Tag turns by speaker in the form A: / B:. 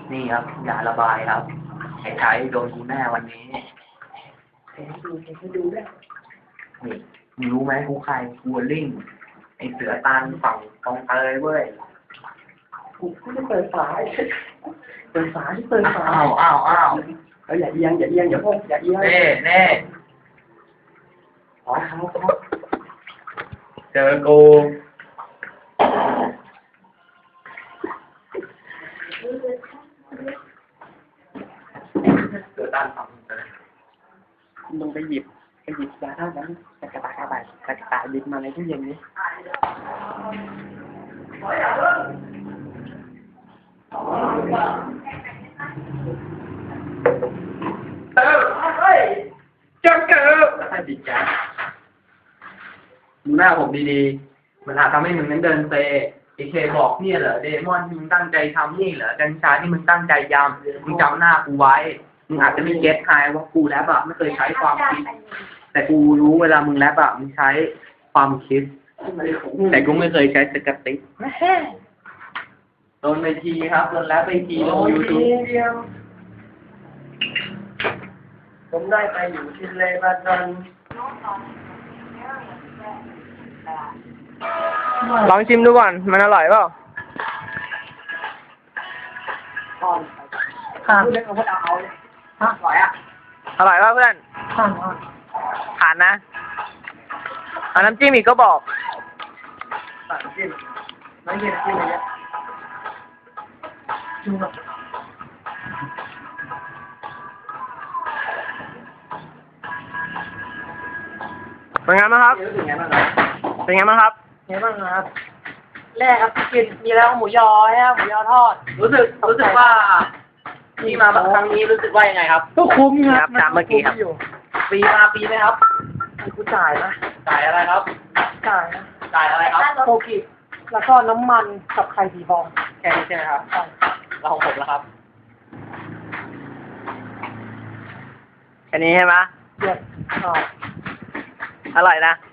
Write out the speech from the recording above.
A: นี่ครับยาระบายครับใช้โดนกูแน่วันนี้
B: ให้ดูด้วย
A: นี่มึงรู้ไหมกูใครกูลิงไอเสือตาลฝั่งตรงเตยเว้ย
B: กูไม่ได้เปิดฝาเปิดฝาที่เปิดฝา
A: อ้าว
B: อย่าเอียงอย่าพกอย่าเอียง
A: เน่
B: อ๋อครับ
A: เจอกูเสือตาลฝั่งเตย
B: มึงไปหยิบยาท่านั้นกระตายหยิบมาในตู้เย็นนี้
A: เฮ้ยจังเกิดให้จิตใจดูหน้าผมดีๆมันอาจทำให้มึงนั้นเดินเซไอเคบอกเนี่ยเหรอเดมอนที่มึงตั้งใจทำนี่เหรอกัญชาที่มึงตั้งใจยำมึงจำหน้ากูไว้มึงอาจจะไม่เก็ตไฮว่ากูแรปอะไม่เคยใช้ความคิดแต่กูรู้เวลามึงแรปอะมึงใช้ความคิดแต่กูไม่เคยใช้สกติโดนไปทีครับโดนแรปไปทีลงยูทูบ
B: ผมได้ไปอยู่ที่เลบานอน
C: ลองชิมดูก่อนมันอร่อยเปล่า
B: ข้าวเล็กเอาพวกเอาเลยอร่อยอ่ะ
C: อร่อยป่ะเพื่อนผ่านนะเอาน้ำจิ้มอีกก็บอก
B: น้ำจิ้มอะไรเงี้ยจุ่ม
C: เป็นไงบ้างครับ
B: เป็นไงบ้างครับ
C: เป็นไงบ้างครับ
B: ไงบ้างครับแรกครับกินมีแล้วหมูยอฮะหมูยอทอด
A: รู้สึกว่าที่มาครั้งนี้รู้สึกว่ายังไงครับ
B: ก็คุ้มครับ
C: ตามเมื่อกี้ครับ
A: ปีไหมครับ
B: กูจ่ายนะ
A: จ่ายอะไรครับ
B: จ่ายนะ
A: จ่ายอะไรครับ
B: โคกิแล้วก็น้ำมันกับไข่สีฟอง
A: แค่นี้ใช่ไหมครับเราของผมแล้วครับ
C: แค่นี้ใช่ไหม
B: เยอะ
C: อร่อยนะ